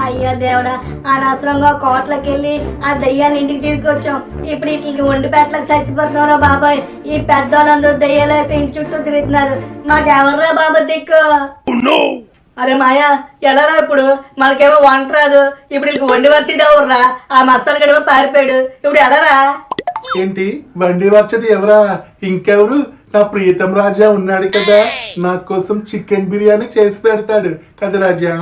అయ్యా దేవుడా, అనవసరంగా కోట్లకి వెళ్ళి ఆ దయ్యాన్ని ఇంటికి తీసుకొచ్చాం. ఇప్పుడు ఇట్లకి ఒంటి పెట్టలకు చచ్చిపోతున్నారా బాబాయ్. ఈ పెద్దోళ్ళందరూ దయ్యాలు ఇంటి చుట్టూ తిరుగుతున్నారు. మాకెవర్రా బాబా దిక్కు? అరే మాయా, ఎలారా ఇప్పుడు? మనకేమో వంట రాదు. ఇప్పుడు ఇంక వండి వచ్చేది ఎవర్రా? ఆ మస్తాన్ గడేమో పారిపోయాడు. ఇప్పుడు ఎలారా? ఏంటి వండి వచ్చేది ఎవరా? ఇంకెవరు? నా ప్రీతం రాజా ఉన్నాడు కదా, నా కోసం చికెన్ బిర్యానీ చేసి పెడతాడు కదా రాజా.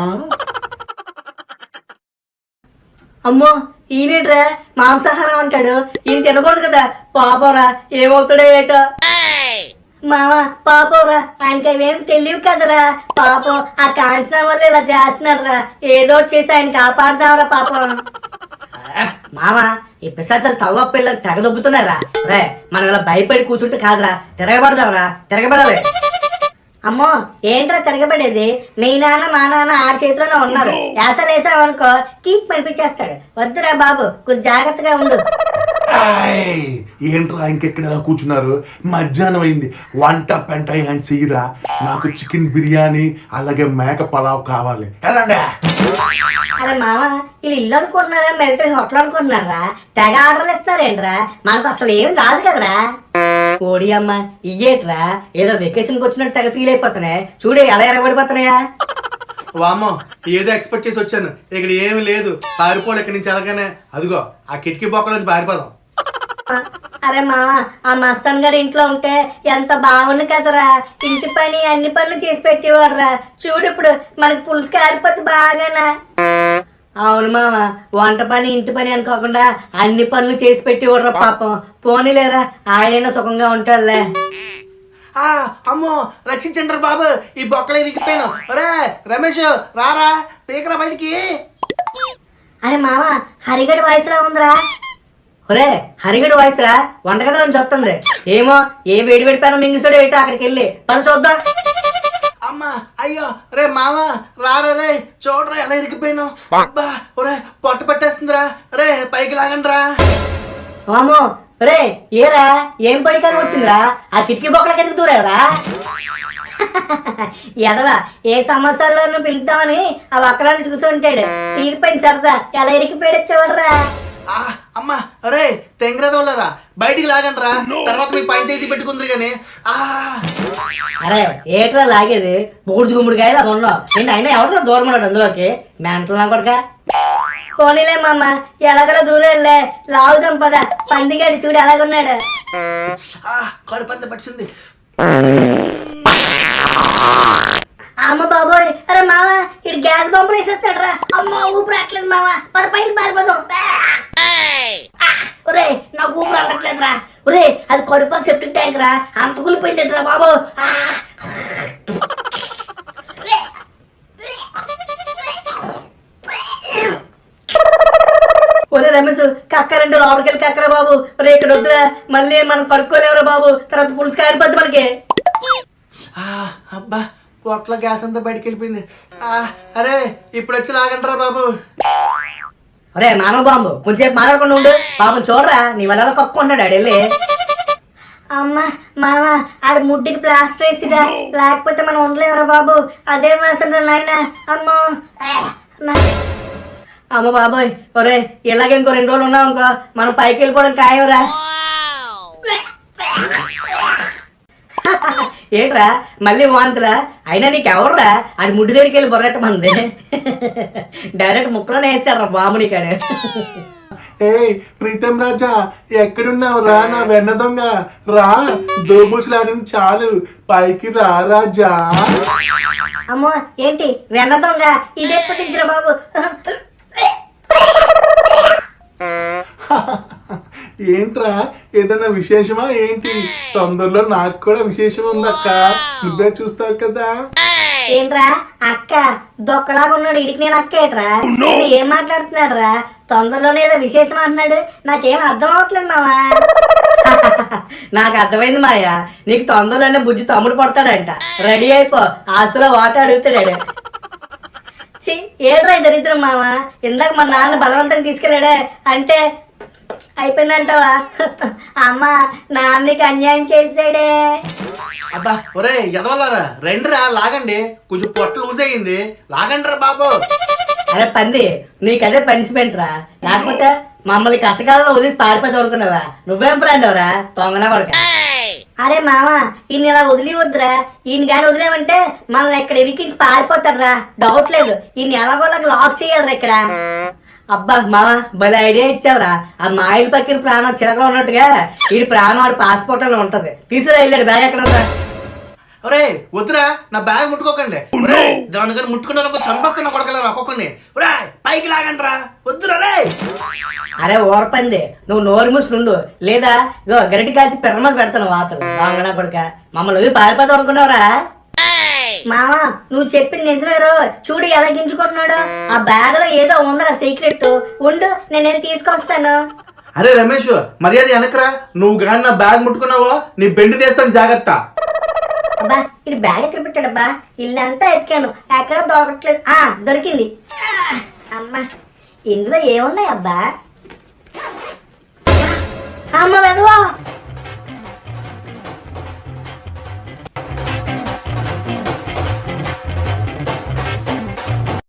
అమ్మో, ఈయనేట్రా మాంసాహారం అంటాడు. ఈయన తినకూడదు కదా. పాపరా ఏమవుతాడో ఏటో. మామ పాపరా, ఆయనకి అవేం తెలియవు కదరా. పాపం ఆ కాంచన వల్ల ఇలా చేస్తున్నారా. ఏదో చేసి ఆయన కాపాడుదాంరా పాపం. మామ, ఈ పిశాచాలు తల్ల పిల్లలు తెగదొబ్బుతున్నారా రే. మనం ఇలా భయపడి కూర్చుంటే కాదురా, తిరగబడదాంరా, తిరగబడాలి. అమ్మో ఏంట్రా తిరగబడేది? మీ నాన్న మా నాన్న ఆడి చేతిలోనే ఉన్నారు. యాసలు వేసావనుకో కీక్ పనిపించేస్తాడు. వద్దురా బాబు, కొంచెం జాగ్రత్తగా ఉండు. ఏంట్రా ఇంకెక్కడ కూర్చున్నారు? మధ్యాహ్నం అయింది, వంట పెంట ఏం చెయ్యరా? నాకు చికెన్ బిర్యానీ అలాగే మేక పలావ్ కావాలి. వెళ్ళండి. అరే మామ, వీళ్ళు ఇల్లు అనుకుంటున్నారా మిలిటరీ హోటల్ అనుకుంటున్నారా? తెగ ఆర్డర్లు ఇస్తారేంట్రా? మనకు అసలు ఏమి రాదు కదరా. ఓడి అమ్మ, ఇయ్యేట్రా ఏదో వెకేషన్కి వచ్చినట్టు తెగ ఫీల్ అయిపోతున్నాయి. చూడే ఎలా ఎరగబడిపోతున్నాయా. వామో, ఏదో ఎక్స్పెక్ట్ చేసి వచ్చాను, ఇక్కడ ఏమి లేదు. పారిపోడు ఇక్కడి నుంచి ఎలాగనే. అదిగో ఆ కిటికీ బొక్కల నుంచి పారిపోదాం. అరే మామ, ఆ మస్తాన్ గారి ఇంట్లో ఉంటే ఎంత బాగుంది కదరా. ఇంటి పని అన్ని పనులు చేసి పెట్టేవాడురా. చూడు ఇప్పుడు మనకి పులుసు కారిపోతే బాగానా. అవును మామ, వంట పని ఇంటి పని అనుకోకుండా అన్ని పనులు చేసి పెట్టేవాడురా పాపం. పోనీలేరా, ఆయనైనా సుఖంగా ఉంటాడులే. అమ్మో, రక్షించండి బాబు, ఈ బొక్కలే ఇరిగిపోయాను. రే రమేష్, రారా, పీకరా బయటికి. అరే మామ, హరిగడి వాయిస్లా ఉందిరా. ఒరే హరిగడి వాయిస్ రా, వంటగదిలో నుంచి వస్తుంది. ఏమో ఏ వేడి వేడి పైన మింగిసోడు ఏటో. అక్కడికి వెళ్ళి పని చూద్దాం. అమ్మా, అయ్యో, రే మామ, రారా రే, చూడరా ఎలా ఇరిగిపోయాను. అబ్బా, ఒరే పొట్ట పట్టేస్తుందిరా. రే పైకి లాగండి రా. వామో, రే ఏరా ఏం పడికారం వచ్చిందిరా? ఆ కిటికీ బొక్కలకి ఎందుకు దూరేవరా? ఎదవా, ఏ సంవత్సరాలను పిలుద్దామని ఆ ఒక్కడాన్ని చూసి ఉంటాడు. తీరిపోయింది సరదా, ఎలా ఇరికిపోయాడొచ్చేవాడరా. అమ్మా, అరే తెంగరదోళ్ళరా, బయటికి లాగండి రా. తర్వాత మీకు పంచాయతీ పెట్టుకుందరు గాని. అరే ఏట్రా లాగేది? బూడిది గుమ్మడికాయలు అది ఉన్నావు ఏంటి? అయినా ఎవడో దూరం ఉన్నాడు అందులోకి. మెంటల్ నా కొడక. పోనీలే మామ, ఎలాగలా దూరంలే. లాగుదాం పద. పందిగాడు చూడు ఎలాగున్నాడు. కడుపంత పట్టింది. అమ్మ బాబోయ్, అరే మామ, ఇటు గ్యాస్ బంపులు వేసేస్తాడు రా. అమ్మ ఊపిరి రావట్లేదు మామ, పద పైకి పారిపోదాం. ఒరే నాకు ఊపిరి రావట్లేదు రా. ఒరే అది కడుపు సెప్టిక్ ట్యాంక్ రా, అంత కూలిపోయింది రా బాబు. ఒరే రమేష్, కక్కరంటే లోపలికి వెళ్ళి కక్కరా బాబు. ఒరే ఇక్కడ వద్దురా, మళ్ళీ మనం కడుక్కోలేవురా బాబు. తర్వాత పులుసు కారిపోద్ది మనకి. అబ్బా, పొట్ల గ్యాస్ అంతా బయటకు వెళ్ళిపోయింది. అరే ఇప్పుడు వచ్చి లాగంటారా బాబు. ఒరే మానవ బాంబు, కొంచెం మాట్లాడకుండా ఉండు. పాపం చూడరా, నీ వల్ల కక్కున్నాడు ఆడు వెళ్ళి. అమ్మ మామ, ఆడ ముడ్డికి ప్లాస్టర్ వేసిరా, లేకపోతే మనం ఉండలేవురా బాబు. అదే వాసన నాయన. అమ్మో అమ్మ బాబోయ్. ఒరే ఇలాగే ఇంకో 2 రోజులు ఉన్నావు ఇంకో మనం పైకి వెళ్ళిపోవడం ఖాయంరా. ఏంట్రా మళ్ళీ వాంతురా? అయినా నీకు ఎవర్రా అది ముడ్డి దగ్గరికి వెళ్ళి బొరగట్టమంది? డైరెక్ట్ ముక్కలోనే వేస్తారా బాబు నీకాడు. ఏ ప్రీతం రాజా, ఎక్కడున్నావు రా నా వెన్న దొంగ? రా, దోబుసులాడింది చాలు, పైకి రా రాజా. అమ్మో ఏంటి వెన్న దొంగ? ఇది ఎప్పటి నుంచి రా బాబు? ఏంట్రా ఏదైనా విశేషమా ఏంటి? తొందరలో నాకు కూడా విశేషం ఉందక్క, నువ్వే చూస్తావు కదా. ఏంట్రా అక్క దొక్కలాగా ఉన్నాడు, ఇడికి నేను అక్క ఏట్రా? ఏం మాట్లాడుతున్నాడు రా? తొందరలోనే ఏదో విశేషం అంటున్నాడు, నాకేం అర్థం అవట్లేదు మావా. నాకు అర్థమైంది మాయా, నీకు తొందరలోనే బుజ్జి తమ్ముడు పడతాడంట. రెడీ అయిపో, ఆస్తులో వాటా అడుగుతాడాడు. ఏడ్రా దరిద్రం మామ, ఇందాక మా నాన్న బలవంతంగా తీసుకెళ్ళాడే అంటే అయిపోయిందంటావా? అమ్మ నాన్నకి అన్యాయం చేసాడే. అబ్బా ఒరే ఎదవల్లారా, రండిరా లాగండి, కొంచెం పొట్ట లూజ్ అయ్యింది, లాగండి రా బాబు. అరే పంది నీకదే పనిష్మెంట్ రా, లేకపోతే మమ్మల్ని కష్టకాలంలో వదిలి పారిపోతే అనుకున్నావా? నువ్వేం ఫ్రెండ్ ఎవరా తొంగనా పడక. అరే మామ ఈయన ఇలా వదిలి వద్దురా, ఈయన కానీ వదిలేమంటే మనల్ని ఇక్కడ ఇరికించి పారిపోతాడురా, డౌట్ లేదు. ఈయన ఎలాగోలాగా లాక్ చేయాలరా ఇక్కడ. అబ్బా మామ భలే ఐడియా ఇచ్చావురా. ఆ మాయిల్ పక్కిన ప్రాణం చిరగా ఉన్నట్టుగా ఈ ప్రాణం వాడి పాస్పోర్ట్ లో ఉంటది. తీసుకురా వెళ్ళాడు బ్యాగ్ ఎక్కడ ఉందా? ఒరే వద్దురా, నా బ్యాగ్ ముట్టుకోకండి. ఒరే దాని కానీ ముట్టుకున్న చంపేస్తున్నా కొడకలేరా ఒక్కొక్కడిని. ఒరే పైకి లాగండి రా, వద్దురా రే. అరే ఓరపంది నువ్వు నోరు మూసుకుండు, లేదా ఇగో గరిటి కాల్చి పిర్ర మీద పెడతాను వాతలు బాగున్నా కొడుక. మమ్మల్ని వదిలి పారిపోతాం అనుకున్నావురా? మామ నువ్వు చెప్పింది నిజమేరో, చూడు ఎలా గింజుకుంటున్నాడు. ఆ బ్యాగ్ లో ఏదో ఉందరా సీక్రెట్, ఉండు నేను వెళ్ళి తీసుకొస్తాను. అరే రమేష్ మర్యాద వెనకరా, నువ్వు కానీ నా బ్యాగ్ ముట్టుకున్నావో నీ బెండి తీస్తాను జాగ్రత్త. అబ్బా ఇది బ్యాగ్ ఎక్కడ పెట్టాడబ్బా? ఇల్లంతా ఎతికాను ఎక్కడ దొరకట్లేదు. దొరికింది. అమ్మా ఇందులో ఏమున్నాయి అబ్బా? అమ్మ వెదవా